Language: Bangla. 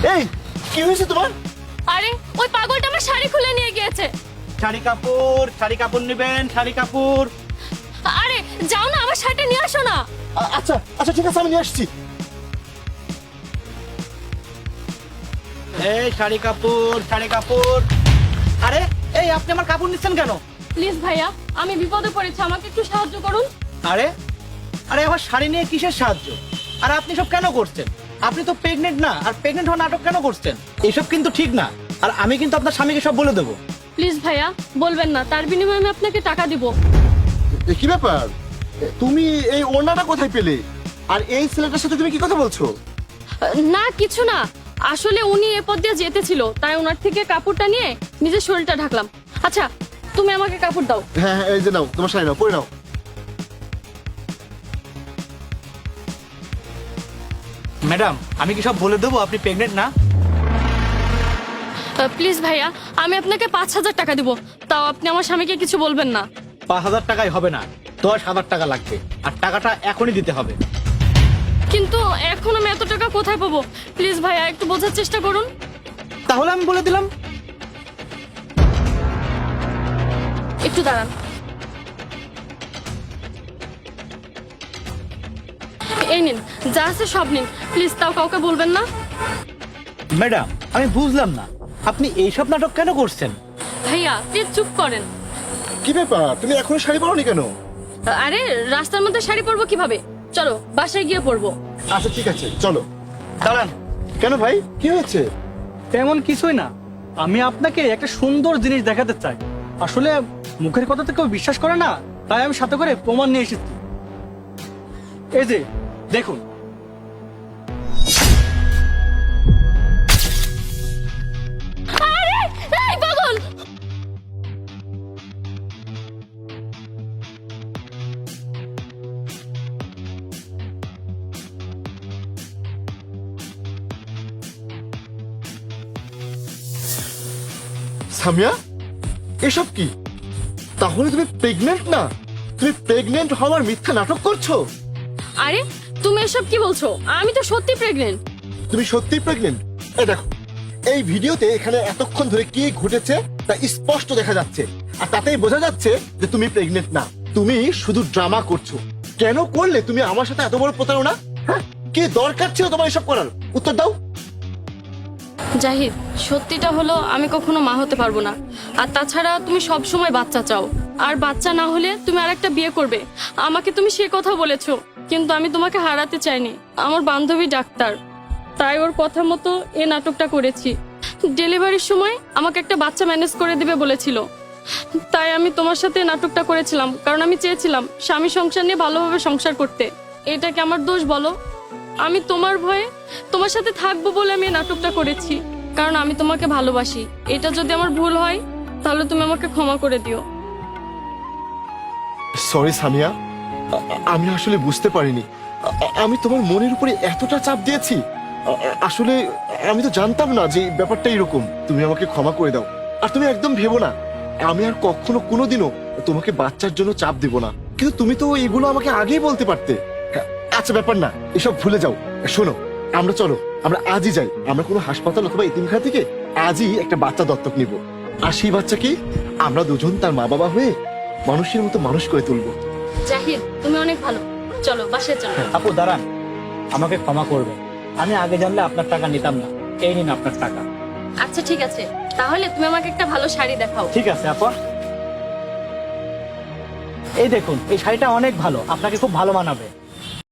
এই কি হয়েছে তোমার? আরে ওই পাগলটা আমার শাড়ি খুলে নিয়ে গিয়েছে। শাড়ি কাপড় নেবেন, শাড়ি কাপড়। আরে যাও না, আমার শাড়িটা নিয়ে আসো না। আচ্ছা আচ্ছা ঠিক আছে, আমি নিয়ে আসছি। এই শাড়ি কাপড়। আরে এই আপনি আমার কাপড় নিচ্ছেন কেন? প্লিজ ভাইয়া, আমি বিপদে পড়েছি, আমাকে একটু সাহায্য করুন। আরে আরে আমার শাড়ি নিয়ে কিসের সাহায্য? আর আপনি সব কেন করছেন? আপনি তো প্রেগনেন্ট না, আর প্রেগনেন্ট হওয়ার নাটক কেন করছেন? এসব কিন্তু ঠিক না। আর আমি কিন্তু আপনার স্বামীকে সব বলে দেবো। প্লিজ ভাইয়া, বলবেন না, তার বিনিময়ে আমি আপনাকে টাকা দিব। কি ব্যাপার? তুমি এই ওড়নাটা কোথায় পেলে? আর এই ছেলেটার সাথে তুমি কি কথা বলছো? না কিছু না, আসলে উনি এ পথ দিয়ে যেতেছিল, তাই ওনার থেকে কাপড়টা নিয়ে নিজের শরীরটা ঢাকলাম। আচ্ছা তুমি আমাকে কাপড় দাও। হ্যাঁ হ্যাঁ, এই যে নাও, তোমার শাড়ি নাও, পরে নাও। ম্যাডাম, আমি কি সব বলে দেবো আপনি প্রেগনেন্ট না? প্লিজ ভাইয়া, আমি আপনাকে 5,000 টাকা দিব, তাও আপনি আমার স্বামীকে কিছু বলবেন না। 5,000 টাকায় হবে না, 10,000 টাকা লাগবে। আর টাকাটা এখনই দিতে হবে। কিন্তু এখন আমি এত টাকা কোথায় পাবো? প্লিজ ভাইয়া, একটু বোঝার চেষ্টা করুন। তাহলে আমি বলে দিলাম। একটু দাঁড়ান। এই নিন, যা আছে সব নিন, প্লিজ, তাও কাউকে বলবেন না। ম্যাডাম, আমি বুঝলাম না আপনি এইসব নাটক কেন করছেন? ভাইয়া প্লিজ চুপ করেন। কি ব্যাপার, তুমি এখনো শাড়ি পরোনি কেন? আরে রাস্তার মধ্যে শাড়ি পরবো কিভাবে? চলো বাসায় গিয়ে পরবো। আচ্ছা ঠিক আছে, চলো। দাঁড়ান। কেন ভাই, কি হয়েছে? তেমন কিছুই না, আমি আপনাকে একটা সুন্দর জিনিস দেখাতে চাই। আসলে মুখের কথা তো কেউ বিশ্বাস করে না, তাই আমি সাথে করে প্রমাণ নিয়ে এসেছি। এই যে দেখুন। আরে এই পাগল! সামিয়া, এসব কি? তাহলে তুমি প্রেগনেন্ট না? তুমি প্রেগনেন্ট হওয়ার মিথ্যা নাটক করছো? আরে তুমি এসব কি বলছো? আমি তো সত্যি প্রেগনেন্ট। তুমি সত্যিই প্রেগনেন্ট? এই দেখো, এই ভিডিওতে এখানে এতক্ষণ ধরে কি ঘটেছে তা স্পষ্ট দেখা যাচ্ছে। আর তাতেই বোঝা যাচ্ছে যে তুমি প্রেগনেন্ট না, তুমি শুধু ড্রামা করছো। কেন করলে তুমি আমার সাথে এত বড় প্রতারণা? হ্যাঁ, কি দরকার ছিল তোমার এসব করার? উত্তর দাও। জাহিদ, সত্যিটা হলো আমি কখনো মা হতে পারবো না। আর তাছাড়া তুমি সব সময় বাচ্চা চাও, আর বাচ্চা না হলে তুমি আরেকটা বিয়ে করবে। আমাকে তুমি সে কথা বলেছো, কিন্তু আমি তোমাকে হারাতে চাইনি। আমার বান্ধবী ডাক্তার, তাই ওর কথা মতো এই নাটকটা করেছি। ডেলিভারির সময় আমাকে একটা বাচ্চা ম্যানেজ করে দিবে বলেছিল, তাই আমি তোমার সাথে নাটকটা করেছিলাম, কারণ আমি চেয়েছিলাম স্বামী সংসার নিয়ে ভালোভাবে সংসার করতে। এটা কি আমার দোষ বলো? আমি তোমার ভয়ে তোমার সাথে থাকবো বলে আমি এই নাটকটা করেছি, কারণ আমি তোমাকে ভালোবাসি। এটা যদি আমার ভুল হয় তাহলে তুমি আমাকে ক্ষমা করে দিও। সরি সামিয়া, আমি আসলে বুঝতে পারিনি। আমি তোমার মনের উপরে এতটা চাপ দিয়েছি। আসলে আমি তো জানতাম না যে ব্যাপারটা এরকম। তুমি আমাকে ক্ষমা করে দাও। আর তুমি একদম ভেবো না আমি আর কখনো কোনোদিনও তোমাকে বাচ্চার জন্য চাপ দিব না। কিন্তু তুমি তো এগুলো আমাকে আগেই বলতে পারতে। আচ্ছা ব্যাপার না, এসব ভুলে যাও। শোনো, চলো আমরা আজই যাই। আমরা কোনো হাসপাতাল অথবা এতিমখানা থেকে আজই একটা বাচ্চা দত্তক নিব। আর সেই বাচ্চাকে আমরা দুজন তার মা বাবা হয়ে মানুষের মতো মানুষ করে তুলবো। জাহিদ, তুমি অনেক ভালো, চলো বাসায় চলো। আপু দাঁড়ান, আমাকে ক্ষমা করবেন। আমি আগে জানলে আপনার টাকা নিতাম না। এই নিন আপনার টাকা। আচ্ছা ঠিক আছে, তাহলে তুমি আমাকে একটা ভালো শাড়ি দেখাও। ঠিক আছে আপা। এই দেখুন, এই শাড়িটা অনেক ভালো, আপনাকে খুব ভালো মানাবে।